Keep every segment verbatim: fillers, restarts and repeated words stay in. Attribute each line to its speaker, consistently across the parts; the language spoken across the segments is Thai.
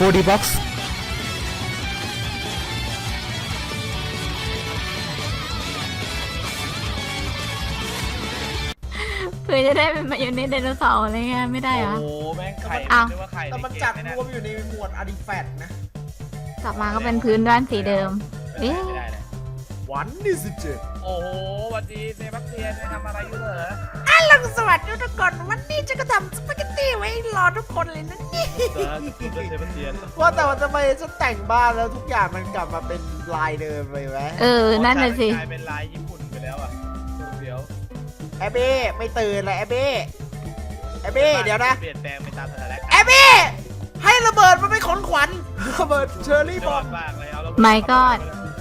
Speaker 1: โฟร์ ดี Box
Speaker 2: เพื่อจะได้เป็นมายองเนสไดโนเสาร์อะไรเงี้ยไม่ได้เหรอ
Speaker 3: โอ้โหแม่งไข่
Speaker 2: อ้าว
Speaker 3: เรียกว่าไข่
Speaker 4: แต่มันจัดรวมอยู่ในหมวดอาร์ติแฟกต์นะ
Speaker 2: กลับมาก็เป็นพื้นด้านสีเดิม
Speaker 3: เอ๊ะ
Speaker 2: เอ๊ะ
Speaker 3: ไม่ได้เลย
Speaker 4: วันที่สิบเจ็ด
Speaker 3: โอ้โหสวัสดีเซบาสเตียนไปทำอะไรอยู่เหรอ
Speaker 4: ฮัลโหลสวัสดีทุกคนวันนี้จะก็ทำสปาเกตตี้ไว้รอทุกคนเลยนะนี่
Speaker 3: เออคุณเป็นเซบาสเตียน
Speaker 4: ว่าแต่ว่าทำไมฉันแต่งบ้านแล้วทุกอย่างมันกลับมาเป็นลายเดิมเลยไหม
Speaker 2: เออ นั่นน่ะสิ
Speaker 3: กลายเป็นลายญี่ปุ่นไปแล้วอ่ะเดี๋ยว
Speaker 4: แอบเบ้ไม่ตื่นเลยแอบเบ้แอบเบ้เดี๋ยวนะ
Speaker 3: เปลี่ยนแปลงไปตามสถานการณ์
Speaker 4: แอบเบ้ให้ระเบิดมันเป็นของขวัญระเบิดเชอร์รี่
Speaker 3: ย
Speaker 4: บอ
Speaker 3: อ
Speaker 4: ม
Speaker 3: ดมากเลยเอาแล้ว
Speaker 2: My God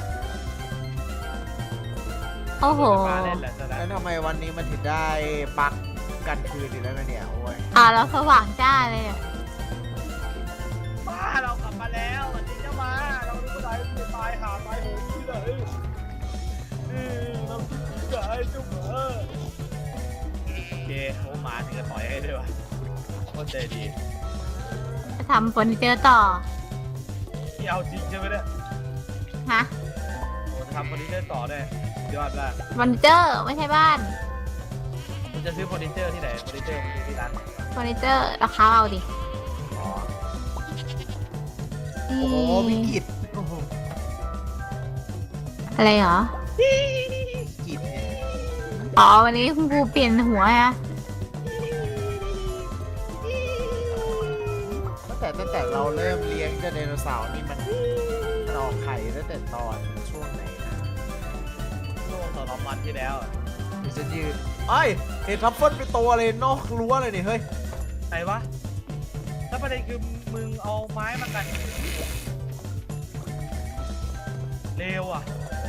Speaker 2: โอ้โห
Speaker 3: มาเล่นแหละสถาน
Speaker 4: แล้วทำไมวันนี้มันถึงได้ปักกันคืนอีกแล้วนะเนี่ยโอ้ย
Speaker 2: อ่าเราสว่างจ้าเลยอะ
Speaker 3: มาเรากลับมาแล้ววันนี้จะมาเราไม่ได้ไปตายหาตายโหงที่ไหนนี่เราที่ไหนจุ๊บเออโอเคโอ้หมาถึงจะต่อยให้ด้วยวะโคตรใจดี
Speaker 2: จะทำเฟอร์นิเจอร์ต่อ
Speaker 3: ที่เอาจริงใช่ไหมเนี่ย
Speaker 2: ฮะ
Speaker 3: โอ้ทำเฟอร์นิเจอร์ต่อได้ยอดมาก
Speaker 2: เฟอร์นิเจอร์ไม่ใช่บ้าน
Speaker 3: คุณจะซื้อเฟอร์นิเจอร์ที่ไหนเฟอร์นิเจอร์มันอยู่ที่ร้าน
Speaker 2: เฟอร์นิเจอร์ราคาเอาดิ
Speaker 3: อ๋อ
Speaker 4: โอ้โหวิกฤตโอ้โห
Speaker 2: อะไรเหรอ
Speaker 4: วิกฤตเนี่ย
Speaker 2: อ๋อวันนี้คุณครูเปลี่ยนหัวฮะ
Speaker 4: ตั้งแต่ตั้งแต่เราเริ่มเลี้ยงเจ้าไดโนเสาร์นี่มันมันออกไข่ตั้งแต่ตอนช่วงไหนนะ
Speaker 3: ช่วงสองสามวันที่แล้วอะ
Speaker 4: ดิฉันยืนไอ้ยเห็นทัฟเฟิลไปตัวเลยนอกรั้วเลยนี่เฮ้ย
Speaker 3: ไหนวะถ้าประเด็นคือมึงเอาไม้มากันเร็วอ่ะ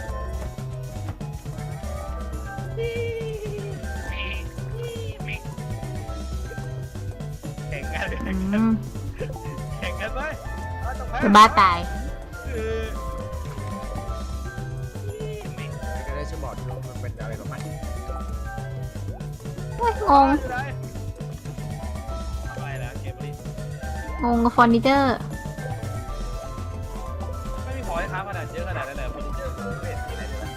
Speaker 3: แข่งกัน
Speaker 2: อืม
Speaker 3: แข่งกันไหมเอาต่อไป
Speaker 2: จะบ้าตาย
Speaker 3: คือ
Speaker 4: ก็ได้จะบอกที่ว่ามันเป็นอะไรกับมัน
Speaker 2: โอ้ยงง
Speaker 3: อยู่ไหนทำไมแล้วเกมนี้
Speaker 2: งงกับเฟอร์นิเจอร์
Speaker 3: ไม่มีของให้ค้าขนาดเยอะขนาดนั้นเลยเฟอร์นิเจอร์คุณไม่เห็นที่ไหนเลยนะ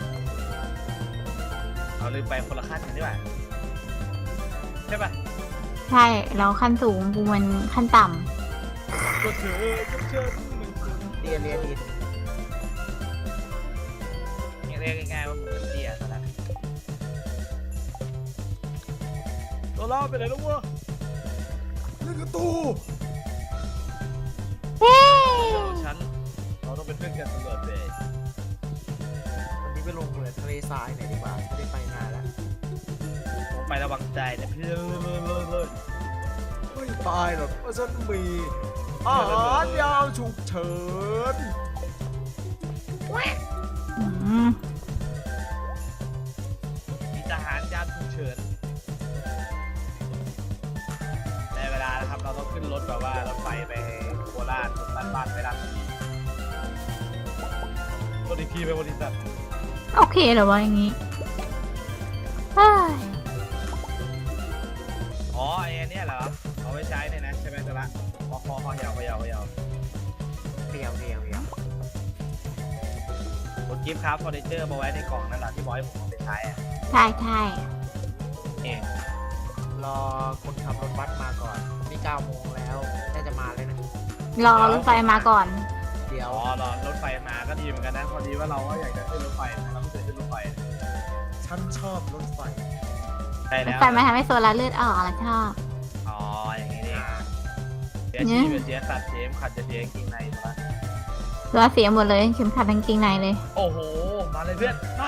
Speaker 3: เอาลืมไปคนละขั้นกันดีกว่าใช่ปะ
Speaker 2: ใช่ เราขั้นสูงกูมันขั้นต่
Speaker 3: ก็เธอก็เชิญหนึ่งคน
Speaker 4: เรียนเรียนดิน
Speaker 3: เรียกง่ายๆว่ามึงเป็นเตี้ยซะแล้วตัวเราไปไหนแล้ววะ
Speaker 4: เรื่องกระตู้
Speaker 2: ำเฮ้
Speaker 3: เดี๋ยวฉันเราต้องเป็นเพื่อนกันตลอดเลย
Speaker 4: วันนี้ไปลงเหมืองทะเลทรายหน่อยดีกว่าไม่ได้ไปนานแล้ว
Speaker 3: ผมไประวังใจนะเพื่อนเลยเลย
Speaker 4: ไม่ตายหรอกเพราะฉันมีอาหารยาวฉุกเฉิน
Speaker 2: อืม
Speaker 3: มีทหารยามฉุกเฉินในเวลานะครับเราต้องขึ้นรถแบบว่ารถไฟไปโคราชบ้านบ้านไปราชบุรีรถอีกทีไปบริษัท
Speaker 2: โอเคเหรอวะอย่างงี้เฮ้ย
Speaker 3: อ๋อไอ้อันเนี้ยเหรอเอาไว้ใช้เนี่ยนะใช่ไหมจ๊ะละคอคอคอยาวคอยาวคอยาว
Speaker 4: เรียวเรียวเรียว
Speaker 3: ผมกิฟต์ครับเฟอร์นิเจอร์มาไว้ในกล่องนั่นแหละที่บอยผมเอาไปใช้อะ
Speaker 2: ใช่ใช่
Speaker 3: เอง
Speaker 4: รอคนขับรถบัสมาก่อนนี่เก้าโมงแล้วน่าจะมาเลยนะ
Speaker 2: รอรถไฟมาก่อน
Speaker 4: เดี๋ยว
Speaker 3: อ๋อรอรถไฟมาก็ดีเหมือนกันนะพอดีว่าเราก็อยากจะขึ้นรถไฟนะเราไม่เคยขึ้นรถไฟ
Speaker 4: ฉันชอบรถไฟ
Speaker 3: ใช่
Speaker 2: รถ
Speaker 3: แล้ว
Speaker 2: ไฟมาทำให้โซลาร์เลือดออกแล้วชอบ
Speaker 3: อ๋ออย่างนี้นี่เสียชีพเสียสัตว์เสียขัดจะเสียกินในมา
Speaker 2: ตัวเสียหมดเลยเข็มขัดกางเกงในเลย
Speaker 3: โอ้โหมาเลยเพื่อนมา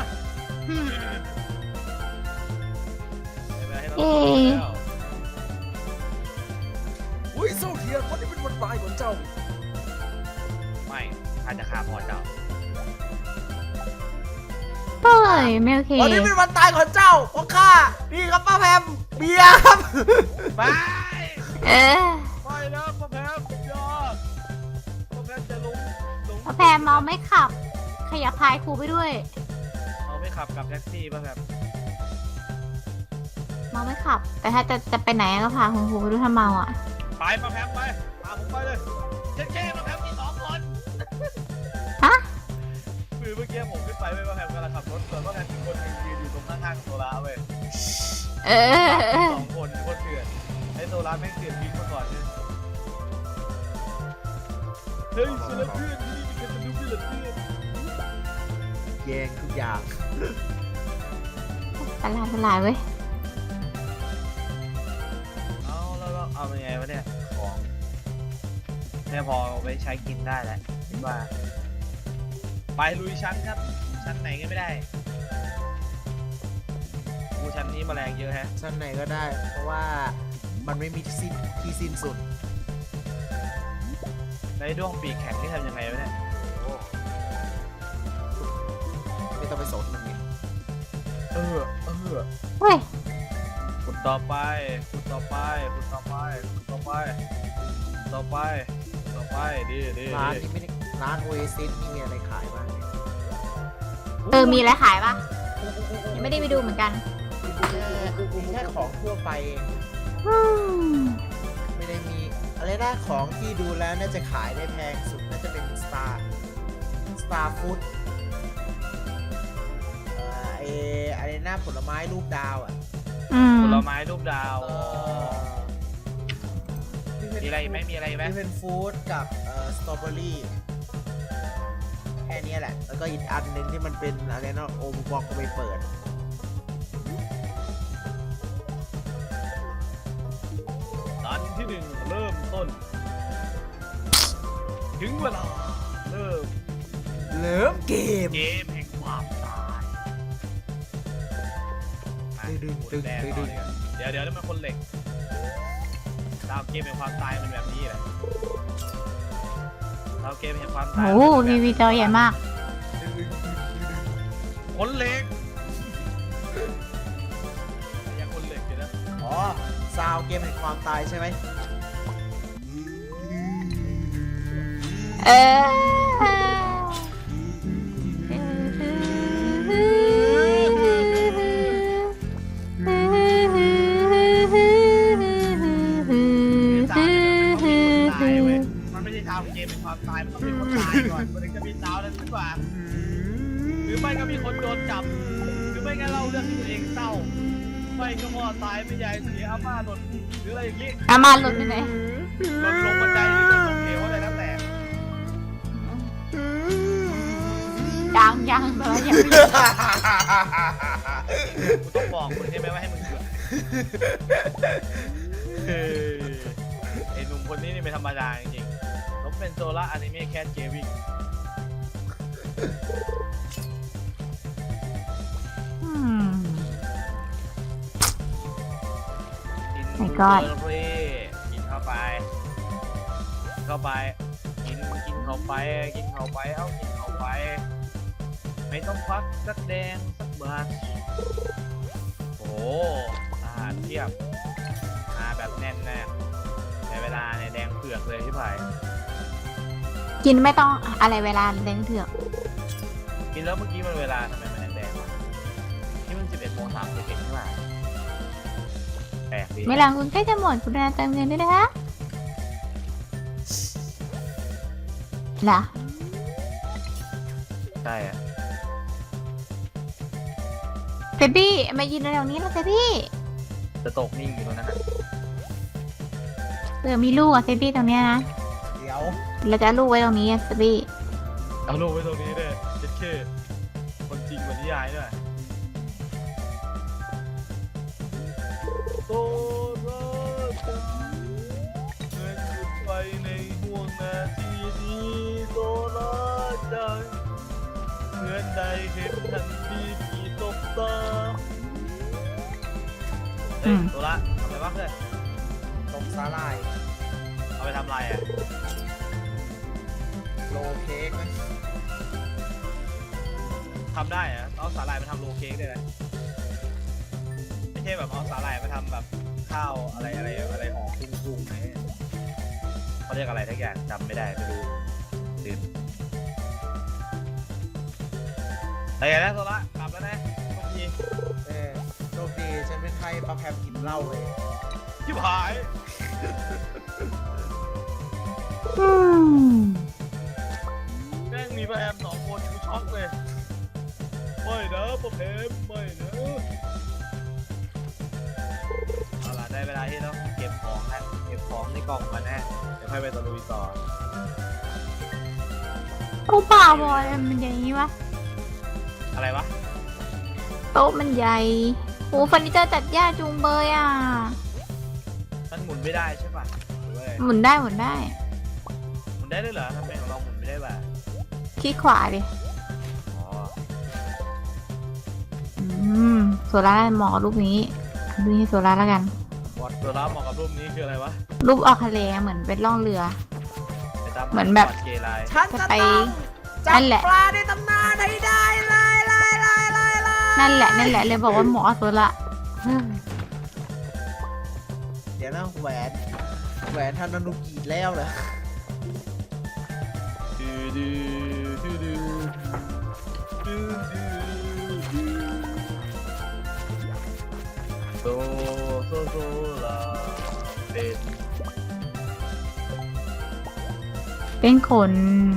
Speaker 3: ให้เรา
Speaker 2: เอ๊ะ
Speaker 4: อุ้ยโซเทียนวันนี้เป็นวันตายของเจ้า
Speaker 3: ไม่ข้าจะฆ่าพ่อเจ้า
Speaker 2: เฮ้ยไม่โอเค
Speaker 4: วันนี้เป็นวันตายของเจ้าเพราะข้านี่ครับป้าแพมเบียร์ครับ
Speaker 3: ไป
Speaker 2: เออ
Speaker 3: ไปนะพ่อแพมยอดพ่อแพมจะลงลง
Speaker 2: พอแพมเมาไม่ขับ ขยับพายครูไปด้วย
Speaker 3: เอาไม่ขับกับแท็กซี่ป่ะแพม
Speaker 2: เมาไม่ขับ แต่ถ้าจะจะไปไหนก็พาคุณครูไปด้วยถ้าเมาอ่ะ
Speaker 3: ไปพ่อแพมไปพาผมไปเลยเจ๊เจ๊พ่อแพมคือเมื่อกี้ผมขึ้นไปไม่ว่าแพมกำลังขับรถส่วนว่าแพมมีคนหนึ่งยืนอยู่ตรงข้างๆโซล่าเว้ย
Speaker 2: เออ
Speaker 3: สองคนโคตรเถื่อนไอ้โซล่าแม่งเถื่อนวิ่งมาก่อนเนี่ยเฮ้ยโซล่าเพื่อนที่นี่มีกันจะดูเพื่อนเพื่อน
Speaker 4: แย่งทุกอย่าง
Speaker 2: ตลาดตลาดเว้ย
Speaker 3: เอาแล้วเราเอาเป็นไงวะเนี่ยของแค่พอเอาไปใช้กินได้แหละคิดว่าไปลุยชั้นครับชั้นไหนก็ไม่ได้กูชั้นนี้แมลงเยอะแฮะ
Speaker 4: ชั้นไหนก็ได้ เพราะว่ามันไม่มีที่สิ้นที่สิ้นสุด
Speaker 3: ในด้วงปีกแข็งที่ทำยังไงวะเนี่ย
Speaker 4: ไม่ต้องไปสนมันไง
Speaker 3: เออเออ
Speaker 2: เฮ้ย
Speaker 3: ขุดต่อไปขุดต่อไปขุดต่อไปขุดต่อไปต่อไปต่อไปดีดี
Speaker 4: ร้านนี้ไม่ได้ร้านโอเอซิสนี่มีอะไรขายบ้างเนี่ย
Speaker 2: เออมีอะไรขายปะยังไม่ได้ไปดูเหมือนกัน
Speaker 4: มีแค่ของทั่วไปเอง
Speaker 2: อืม
Speaker 4: ไม่ได้มีอะไรนะของที่ดูแล้วน่าจะขายได้แพงสุดน่าจะเป็น Star Star Food เอ่อไออะไรหน้าผลไม้รูปดาวอ่ะ
Speaker 2: อืม
Speaker 3: ผลไม้รูปดาว
Speaker 4: เอ่อที่เป็น
Speaker 3: มีอะไรอีกไหมมีอะไรอีกไหม
Speaker 4: ที่เป็นฟู้ดกับเอ่อสตรอเบอรี่แค่นี้แหละ แล้วก็อีกอันหนึ่งที่มันเป็นอะไรนะโอมบอกก็ไปเปิด
Speaker 3: ตอนที่หนึ่งเริ่มต้น ถึงเวลาเริ่ม
Speaker 4: เลิฟเกม
Speaker 3: เกมแห่งความตายอ่ะ
Speaker 4: ดึง
Speaker 3: หมุน
Speaker 4: ดึง
Speaker 3: แดง
Speaker 4: ดึง
Speaker 3: ต่
Speaker 4: ดึ
Speaker 3: อง เดี๋ยวเดี๋ยวนี่มันคนเหล็กดาวเกมแห่งความตายมันแบบนี้แหละดาวเกมแห่งความตาย
Speaker 2: โอ้โหทีวีจอใหญ่มาก
Speaker 3: คนเหล็กยังคนเหล็กอยู่นะ
Speaker 4: อ๋อซาวเกมแห่งความตายใช่ไหม
Speaker 2: เออ
Speaker 3: ตายเว้ยมันไม่ใช่ดาวเกมเป็นความตายมันต้องมีคนตายก่อนมันถึงจะมีดาวนั้นขึ้นมาหรือไม่ก็มีคนโดนจับหรือไม่งั้นเราเรื่องที่ตัวเองเศร้าไม่ก็พ่อตายไม่ยายเสียอาม่าหล่นหรืออะไรอย่างงี้
Speaker 2: อามาหลุดไปไหน
Speaker 3: หล่นลงบันไดหรือหล่นลงเหวอะไรแล้วแต่
Speaker 2: ยังยังแต่ว่ายังไม่
Speaker 3: กูต้องบอกมึงใช่ไหมว่าให้มึงเกิดเฮ้ยไอ้หนุ่มคนนี้นี่ไม่ธรรมดาจริงๆผมเป็นโซล่าอนิเมะแคทเจวิง
Speaker 2: อืม
Speaker 3: กิน
Speaker 2: My
Speaker 3: บู
Speaker 2: God
Speaker 3: เบอร์รี่กินเข้าไป เข้าไป กินกินเข้าไป กินเข้าไป เอากินเข้าไป ไม่ต้องควักสักแดงสักบาทโอ้โหอาหารเทียบมาแบบแน่นแน่ในเวลาเนี่ยแดงเผือกเลยที่ผ่าย
Speaker 2: กินไม่ต้องอะไรเวลาแดงเถือก
Speaker 3: กินแล้วเมื่อกี้มันเวลาทำไมมันแดงๆวะนี่มันสิบเอ็ดโมงสามสิบเอ็ดใช่ไหมแปลกดี
Speaker 2: ไม่หลังคุณใกล้จะหมดคุณนาเติมเงินด้วยนะคะเหรอ
Speaker 3: ใช่อะ
Speaker 2: เซบี้มายืนตรงนี้แล้วเซบี้
Speaker 3: จะตกนิ่งอยู่ตรงนั้นนะ
Speaker 2: เผื่อมีลูกอะเซบี้ตรงเนี้ยนะ
Speaker 4: เดี๋ยว
Speaker 2: เราจะเอาลูกไว้ตรงนี้อะเซบี้
Speaker 3: เอาลูกไว้ตรงนี้ด้วยเจ็ดเคคนจริงกว่านิยายด้วยโตรักกันเมื่อหยุดไปในห่วงนาทีนี้โตรักกันเหมือนได้เห็นทันทีที่ตกตาเฮ้ยโตระทำอะไรบ้างเพื่อน
Speaker 4: ตกสาลาย
Speaker 3: เอาไปทำอะไรอ่ะ
Speaker 4: โลเค้กไหม
Speaker 3: ทำได้เหรอะเอาสาหร่ายมาทำโรลเค้กได้ไหมไม่ใช่แบบเอาสาหร่ายมาทำแบบข้าวอะไรอะไรอะไรออกพุ่งๆไหมเขาเรียกอะไรทักอย่างจำไม่ได้ไม่รู้ลืมแต่อย่างนั้นโซละกลับแล้วนะทุกที
Speaker 4: เออโชคดีฉันเป็นไทยปลาแพมกินเหล้าเลย
Speaker 3: ชิบหาย
Speaker 2: อืม
Speaker 3: แม่งมีแบมสองคนกูชอกเลยไม่นะพ่อเพมไม่นะเอาล่ะได้เวลาที่ต้องเก็บของแล้วเก็บของในกล่องมาแน่เดี๋ยวค่อยไปตะลุยต่อ
Speaker 2: โอ้ป่าบอยมันอย่างนี้วะ
Speaker 3: อะไรวะ
Speaker 2: โต๊ะมันใหญ่โอ้เฟอร์นิเจอร์จัดยากจุงเบยอ่ะ
Speaker 3: มันหมุนไม่ได้ใช่ป่ะหรือว่าไง
Speaker 2: หมุนได้หมุนได้
Speaker 3: หมุนได้ด้วยเหรอทำไมของเราหมุนไม่ได้ป่ะ
Speaker 2: คลิกขวาดิ
Speaker 3: อ๋อ
Speaker 2: อืมโซล่าเหมาะกับรูปนี้ดูนี่โซล่าแล้วกัน
Speaker 3: วัดตัวรับเหมาะกับรูปนี้คืออะไรวะ
Speaker 2: รูปออกทะเลเหมือนเป็นล่องเรือ
Speaker 3: ไปตาม
Speaker 2: เหมือนแบบ
Speaker 3: กฎเกย์ไลน์
Speaker 4: ฉันจะ
Speaker 2: ไป
Speaker 4: ต้องจั
Speaker 2: นั่
Speaker 4: บ
Speaker 2: นแหละ
Speaker 4: ปลาในตำนานให้ได้เลยเลยเลยเลยเลย
Speaker 2: นั่นแหละนั่นแหละเลยบอกว่าเหมาะกับโซล่าเฮ้ย
Speaker 4: เดี๋ยวนะแหวนแหวนทานานุกิแล้วเหรอ
Speaker 3: ดูดูดูดูดูดูดูโซโซโซลาเป็น
Speaker 2: เป็นขน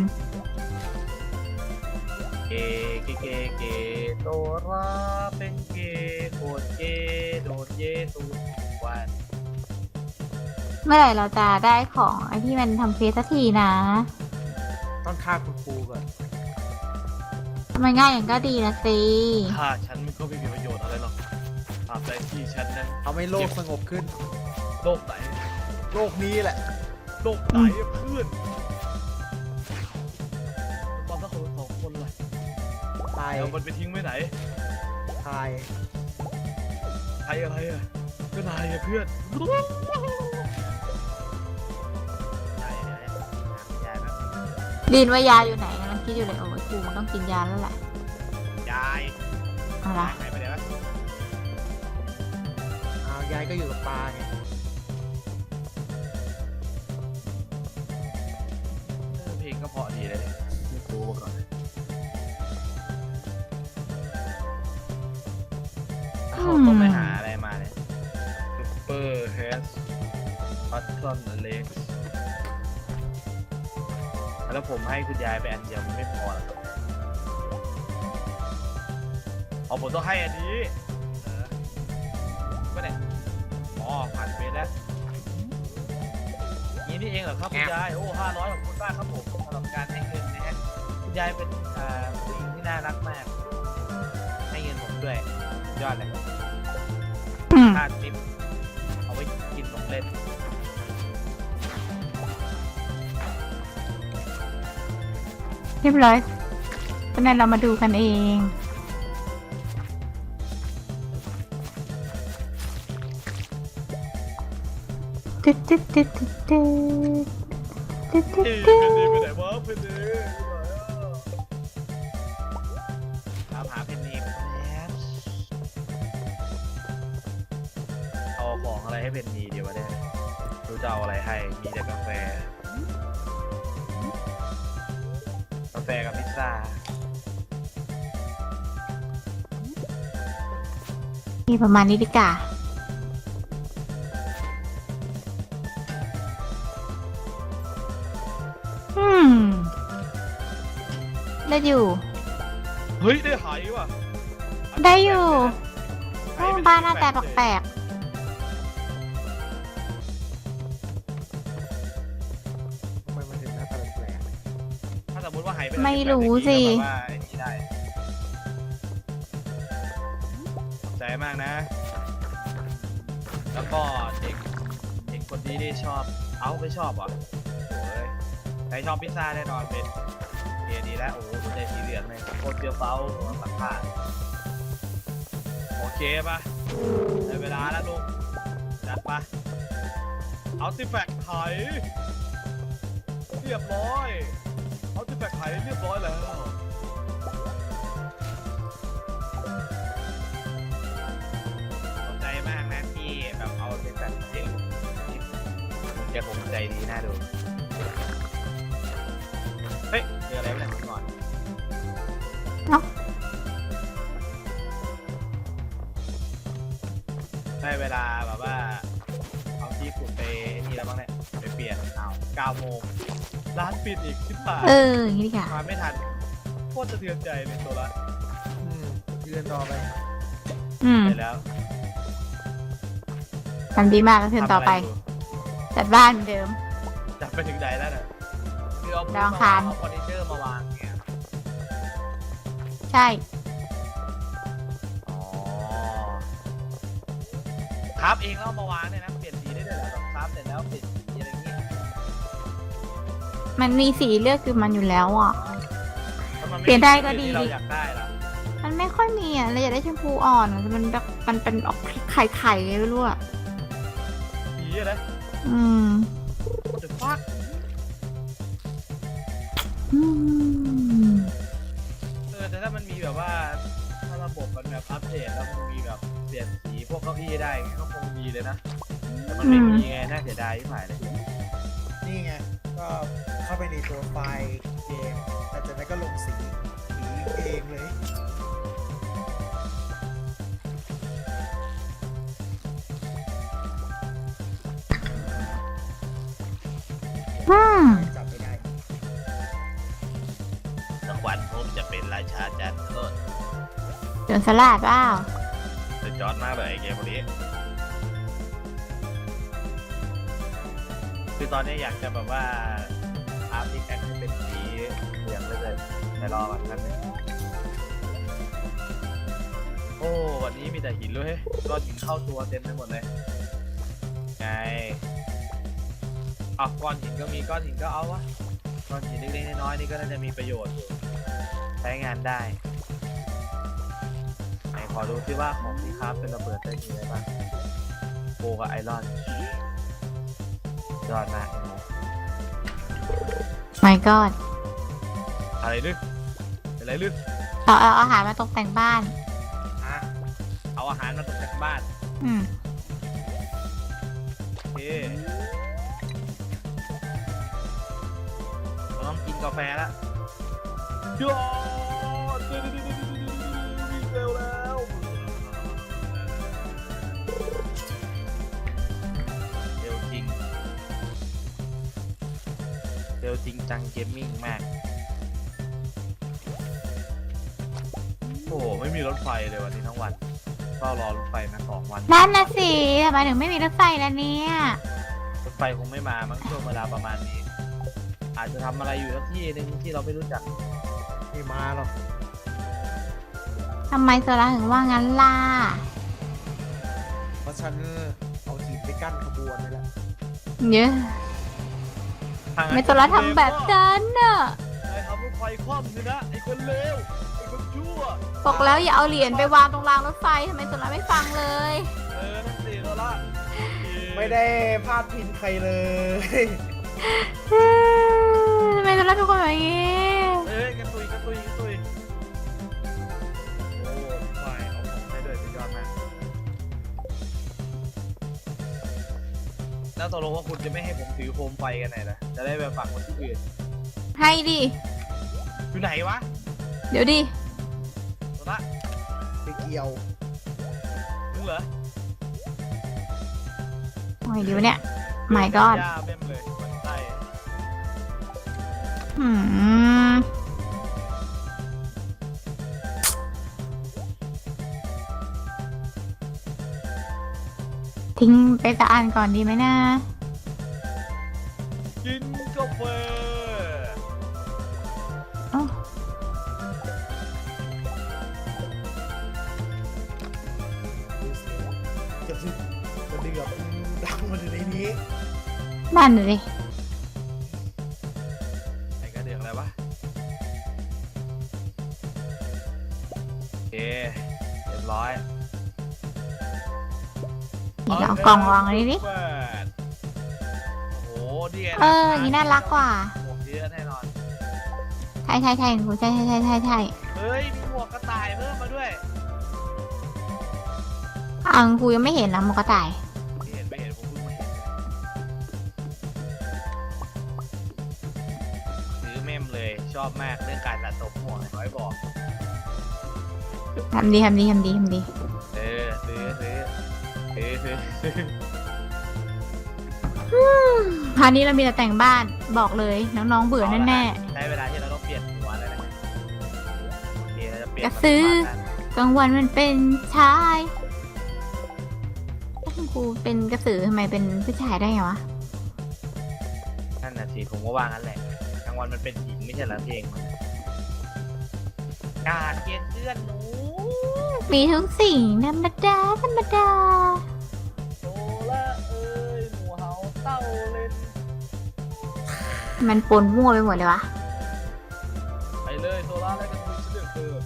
Speaker 3: เกเกเกเกโตราเป็นเกโคตรเกโดนเยตูวัน
Speaker 2: เมื่อไหร่เราจะได้ของไอที่มันทำเฟซสักทีนะ
Speaker 4: ต้องฆ่าคุณครูก่อน
Speaker 2: ทำไมง่ายอย่างก็ดีนะสิ
Speaker 3: ถ้าฉันก็ไม่มีประโยชน์อะไรหรอกตราบใดที่ฉันนั้น
Speaker 4: เอาให้โลกสงบขึ้น
Speaker 3: โลกไหน
Speaker 4: โลกนี้แหละ
Speaker 3: โลกไหนอะเพื่อนตอนสักคนสองคนเลย
Speaker 4: ตาย
Speaker 3: เอามันไปทิ้งไว้ไหน
Speaker 4: ตาย
Speaker 3: ใครอะไรอะก็นายอะเพื่อนยายยายยายแบบ
Speaker 2: ดินว่ายาอยู่ไหนกำลังคิดอยู่เลยโอ้ยครูมันต้องกินยาแล้วแหละ
Speaker 3: ยาย
Speaker 2: เอาละ
Speaker 3: หายไปไหนวะ
Speaker 4: อ้าวยายก็อยู่กับปลาไง
Speaker 3: เออเพลงก็เพราะดีเลยไม่รู้มาก่อนเขาต้องไปหาอะไรมาเนี่ยซุปเปอร์เฮสพัตตอนเล็กแล้วผมให้คุณยายไปอันเดียวมันไม่พอหรอกครับเอาผมต้องให้อันนี้เออก็เนี่ยอ๋อผ่านเฟสแล้วนี่นี่เองเหรอครับคุณยายโอ้ห้าร้อยของคุณมากครับผมสำหรับการให้เงินนะฮะคุณยายเป็นอ่าผู้หญิงที่น่ารักมากให้เงินผมด้วยยอดเลย
Speaker 2: อืม
Speaker 3: ค่าทิปเอาไว้กินของเล่น
Speaker 2: เรียบร้อยตอนนั้นเรามาดูกันเองตึ๊ดตึ๊ดตึ๊ดตึ๊ดตึ๊ดตึ๊ดตึ๊ด
Speaker 3: เอ้ย
Speaker 2: ตึ๊
Speaker 3: เพนนีไป
Speaker 2: ด
Speaker 3: ไหนวะเพนนีไปไหนอ่ะตามหาเพนนีไปแล้วเอาของอะไรให้เพนนีเดี๋ยวมาเนี่ยดูจะเอาอะไรให้มีแต่กาแฟกาแฟกับพิซซ่า
Speaker 2: นี่ประมาณนี้ดีกว่าอืมได้อยู่
Speaker 3: เฮ้ยได้หายว่ะ
Speaker 2: ได้อยู่
Speaker 3: หายไป
Speaker 2: บ้านหน้าแต่แปลก
Speaker 4: ทำไมมันถึงหน้าตาแปลก
Speaker 3: ถ้าสมมติว่าหายไป
Speaker 2: ๆไม่รู้สิ
Speaker 3: ก็แบบว่าไอ้นี่ได้ขอบใจมากนะ แล้วก็เด็กเด็กคนนี้ที่ชอบเอ้าไม่ชอบเหรอโอ้ยใครชอบพิซซ่าแน่นอนเป็นเดียดีแล้วโอ้โหหัวใจสีเหลืองเลยโคตรเปรี้ยวเฟ้าสักผ้าโอเคปะได้เวลาแล้วลูกจัดปะเอาติแฟกต์ไถเรียบร้อยเอาติแฟกต์ไถเรียบร้อยแล้วขอบใจมากนะที่แบบเอาติแฟกต์ไถลูกคุณจะคงใจดีน่าดูเฮ้ยเจออะไรไม่ได้ก่อน
Speaker 2: เอ้า
Speaker 3: ได้เวลาแบบว่าเอาที่ขุดไปนี่แล้วบ้างเนี่ยไปเปลี่ยนเอาเก้าโมงร้านปิดอีกสิบบาท
Speaker 2: เอออย่างนี้ดีกว่า
Speaker 3: มาไม่ทันโคตรสะเทือนใจเลยตัวละ
Speaker 4: อืมเดินต่อไป
Speaker 2: อืม
Speaker 3: ไปแล้ว
Speaker 2: ทำดีมากก็ขึ้นต่อไป
Speaker 3: ทำะรยู่
Speaker 2: จัดบ้านเหมือนเดิม
Speaker 3: จับไปถึงไหนแล้วน่ะคือเอา
Speaker 2: ดาวอังคาร
Speaker 3: เอาเฟอร์นิเจอร์มาวางเนี่ย
Speaker 2: ใช่
Speaker 3: อ๋อครับเองแล้วเอามาวางเนี่ยนะเปลี่ยนสีได้ด้วยเหรอแบบครับเสร็จแล้วเปลี่ยนสีอะไรอย่างงี้
Speaker 2: มันมีสีเลือกคือมันอยู่แล้วอ่ะ
Speaker 3: ถ้ามัม่
Speaker 2: เปลี่ยนได้ก็ดี
Speaker 3: ที่เราอยากได้ล่ะ
Speaker 2: มันไม่ค่อยมีอ่ะเราอยากได้ชมพูอ่อนอะมันแบบมันเป็นออกไข่ไข่ๆไม่รู้อ่ะ
Speaker 3: สีอะไร
Speaker 2: อืม
Speaker 3: เดอะฟัค
Speaker 2: อืม
Speaker 3: เออแต่ถ้ามันมีแบบว่าถ้าระบบมันแบบอัปเดตแล้วมันมีแบบเปลี่ยนสีพวกเก้าอี้ได้อย่างงี้ก็คงดีเลยนะแต่มันไม่มีไงน่าเสียดายที่หายเลย
Speaker 4: นี่ไงก็เข้าไปในตัวไฟล์เกมแต่จากนั้นก็ลงสีสีเองเลย
Speaker 2: อืม
Speaker 4: จับไม่ได้
Speaker 3: สักวันผมจะเป็นราชาจันทร์โลด
Speaker 2: โจนสลัดเปล่า
Speaker 3: จะจอดมากเลยไอ้เกมพวกนี้คือตอนนี้อยากจะแบบว่าอาร์ติแอคให้เป็นสีเหลืองไปเลยแต่รอวันนั้นงโอ้วันนี้มีแต่หินเลยก้อนหินเข้าตัวเต็มไปหมดเลยไงเอาก้อนหินก็มีก้อนหินก็เอาวะก้อนหินเล็กๆน้อยๆนี่ก็น่าจะมีประโยชน์อยู่ใช้งานได้ไหนขอดูซิว่าของที่คราฟเป็นระเบิดได้มีอะไรบ้างโบกับไอรอนยอดมาก
Speaker 2: my god
Speaker 3: อะไรลึกอะไรลึก
Speaker 2: เราเอาอาหารมาตกแต่งบ้าน
Speaker 3: อ่ะเอาอาหารมาตกแต่งบ้าน
Speaker 2: อืม
Speaker 3: โอเคเราต้องกินกาแฟแล้วยอดวิ่งเร็วแล้วเร็วจริงเร็วจริงจังเกมมิ่งมากโอ้โหไม่มีรถไฟเลยวันนี้ทั้งวันเฝ้ารอรถไฟมาสองวัน
Speaker 2: นั่นนะสิทำไมถึงไม่มีรถไฟแล้วเนี่ย
Speaker 3: รถไฟคงไม่มามั้งช่วงเวลาประมาณนี้ อาจจะทำอะไรอยู่สักที่หนึ่งที่เราไม่รู้จัก
Speaker 4: ไม่มาหรอก
Speaker 2: ทำไมโซล่าถึงว่างั้นล่ะ
Speaker 4: เพราะฉันเอาหินไปกั้นขบวนนี่แหละ
Speaker 2: เยอะไม่โซล่าทำแบบนั้นน่ะ
Speaker 3: ไอ้ทำรถไฟคว่ำเลยนะไอ้คนเลวไอ้คนชั่ว
Speaker 2: บอกแล้วอย่าเอาเหรียญไปวางตรงรางรถไฟทำไมโซล่าไม่ฟังเลย
Speaker 3: เออนั่นสิโซล่า
Speaker 4: ไม่ได้พลาดพิงใครเลย
Speaker 2: ทำไมโซล่าทุกคนแบบนี้
Speaker 3: เอ้ยกระตุยกระตุยกระตุยโอ้ไฟเอาของได้ด้วยสุดยอดมากแล้วตกลงว่าคุณจะไม่ให้ผมถือโคมไฟกันไหนนะจะได้ไปฝังคนที่อื่น
Speaker 2: ให้ดิ
Speaker 3: อยู่ไหนวะ
Speaker 2: เดี๋ยวดิ
Speaker 3: โซล่า
Speaker 4: ไปเกี่ยว
Speaker 3: มึงเหรอ
Speaker 2: โอ้ยเดี๋ยวเนี่ย my god
Speaker 3: ย่าเบ้มเลยมันไส้
Speaker 2: หืมทิ้งไปตะอันก่อนดีไหมนะ
Speaker 3: กินกาแฟ
Speaker 2: โอ้
Speaker 4: ดูสิกระทึกกระเดือกดังมาถึงในนี้
Speaker 2: นั่นเลย
Speaker 3: ไอ้กระเดือกอะไรวะโอเคเรียบร้อย
Speaker 2: นี่เราเอากล่องวางไว้ดิ
Speaker 3: เปิดโอ้โหดีไง
Speaker 2: เอออย่างนี้น่ารักกว่า
Speaker 3: หมวกเยอะแน่นอน
Speaker 2: ใช่ใช่ใช่ครูใช่ใช่ใช่ใช่ใช่
Speaker 3: เฮ้ยมีหมวกกระต่ายเพิ่มมาด้วย
Speaker 2: อังครูยังไม่เห็นนะหมกระต่าย
Speaker 3: ไม่เห็นไม่เห็นผมเพิ่งมาเห็นซื้อเมมเลยชอบมากเรื่องการสะสมหมวกไอ้น้อยบอก
Speaker 2: ทำดีทำดีทำดีทำดี
Speaker 3: เออซื้อซื้อซื้อซื้อซื้อ
Speaker 2: พาร์ทนี้เรามีแต่แต่งบ้านบอกเลยน้องๆเบื่อแน่
Speaker 3: ใช้เวลาที่เราต้องเปลี่ยนหัวเลยนะ
Speaker 2: ๆกระสือ กลางวันมันเป็นชายถ้าคุณครูเป็นกระสือทำไมเป็นผู้ชายได้ไงวะ
Speaker 3: นั่นน่ะสิผมก็ว่างั้นแหละกลางวันมันเป็นหญิงไม่ใช่เหรอเพลงมันการเกณฑ์เพื่อนหนู
Speaker 2: มีทุกสิ่งธรรมดาธรรมดา
Speaker 3: โซล่าเอ้ยหมูเฮาเต้าเล่น
Speaker 2: มันปนมั่วไปหมดเลยวะ
Speaker 3: ไปเลยโซล่าแล้วกันคุณเลือกเธอ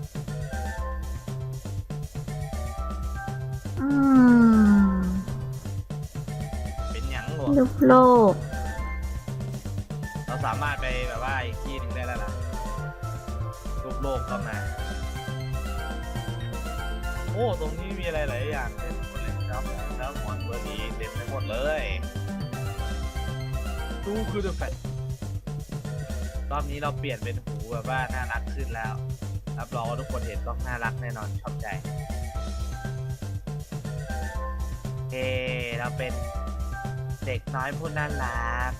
Speaker 2: อืม
Speaker 3: เป็นหยังหรอ
Speaker 2: ลูกโลก
Speaker 3: เราสามารถไปแบบว่าอีกที่หนึ่งได้แล้วล่ะรูปโลกก็มาโอ้ตรงนี้มีอะไรหลายอย่างเต็มไปหมดเลยครับแล้วหมอนเบอร์นี้เต็มไปหมดเลยตู้คือเดอะแฟตรอบนี้เราเปลี่ยนเป็นหูแบบว่าน่ารักขึ้นแล้วรับรองว่าทุกคนเห็นต้องน่ารักแน่นอนชอบใจเฮ้เราเป็นเด็กน้อยผู้น่ารัก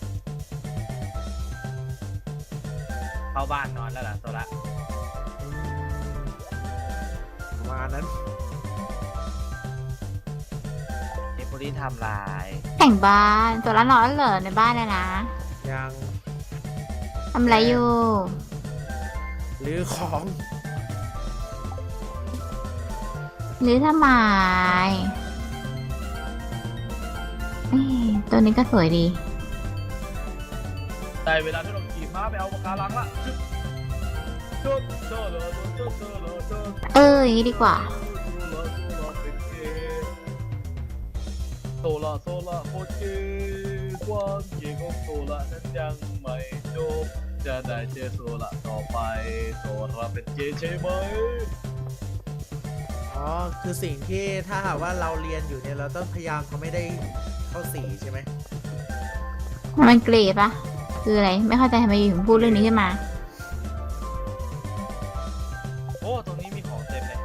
Speaker 3: เข้าบ้านนอนแล้วล่ะโซละ
Speaker 4: อืมประมาณนั้น
Speaker 3: เด็กคนนี้ทำลาย
Speaker 2: แต่งบ้านตัวละนอนเหรอในบ้านเลยนะ
Speaker 4: ยัง
Speaker 2: ทำอะไรอยู่
Speaker 4: หรือของ
Speaker 2: หรือทำไมเอ้ยตัวนี้ก็สวยดี
Speaker 3: ได้เวลาที่เราขี่ม้าไปเอาปากการังละโซโซโลโซโซโลโซ
Speaker 2: เอออย่างนี้ดีกว่า
Speaker 3: โซล่าโซล่าโคตรเก๋ความเก๋ของโซล่านั้นยังไม่จบจะได้เจอโซล่าต่อไปโซล่าเป็นเก๋ใช่ไหม
Speaker 4: อ๋อ คือสิ่งที่ถ้าหากว่าเราเรียนอยู่เนี่ยเราต้องพยายามเขาไม่ได้เข้าสีใช่ไหม
Speaker 2: มันเกรดปะคืออะไร ไม่เข้าใจทำไมอยู่ถึงพูดเรื่องนี้ขึ้นมา
Speaker 3: โอ้ตรงนี้มีของเต็มเลย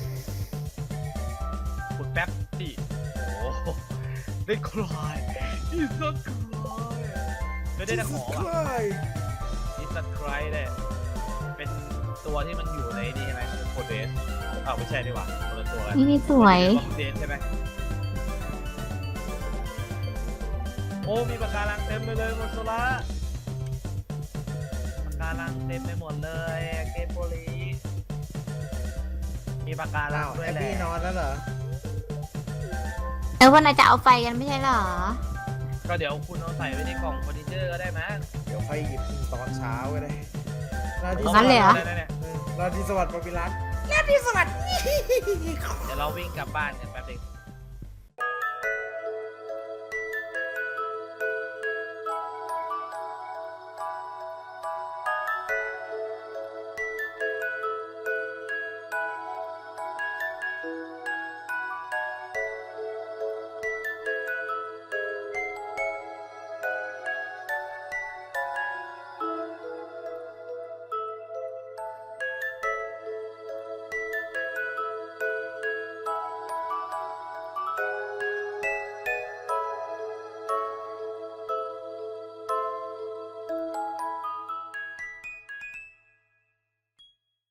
Speaker 3: ขุดแป๊บสิโอ้ได้คลายอีสักคลายไม่ได้แต่ของอ่ะ นิสไครเนี่ยเป็นตัวที่มันอยู่ในนี่ใช่ไหมโคเดสอ้าวไม่ใช่ดีกว่าคนละตัวกัน
Speaker 2: นี่นี่สวย
Speaker 3: โคเดสใช่ไหมโอ้มีปากการังเต็มไปเลยหมดโซล่าปากการังเต็มไปหมดเลยเกมโปลีมีปากการั
Speaker 4: อ้าง ว
Speaker 3: ด้ว
Speaker 4: แอย บ
Speaker 3: แหละ
Speaker 4: บี้นอนแล้วเหรอ
Speaker 2: เออวันไหนจะเอาไฟกันไม่ใช่เหรอ
Speaker 3: ก็เดี๋ยวคุณเอาใส่ไว้ในกล่องเฟอร์นิเจอร์ก็ได้มั้ง
Speaker 4: เดี๋ยวค่อยหยิบตอนเช้าก็ได้ราตรี
Speaker 2: งั้นเลยเหรอ
Speaker 3: ได้ๆๆ
Speaker 4: เออราตรีสวัสดิ์ปปิรัตน์ราตรีสวัสดิ์
Speaker 3: เดี๋ยวเราวิ่งกลับบ้านกันแป๊บนึง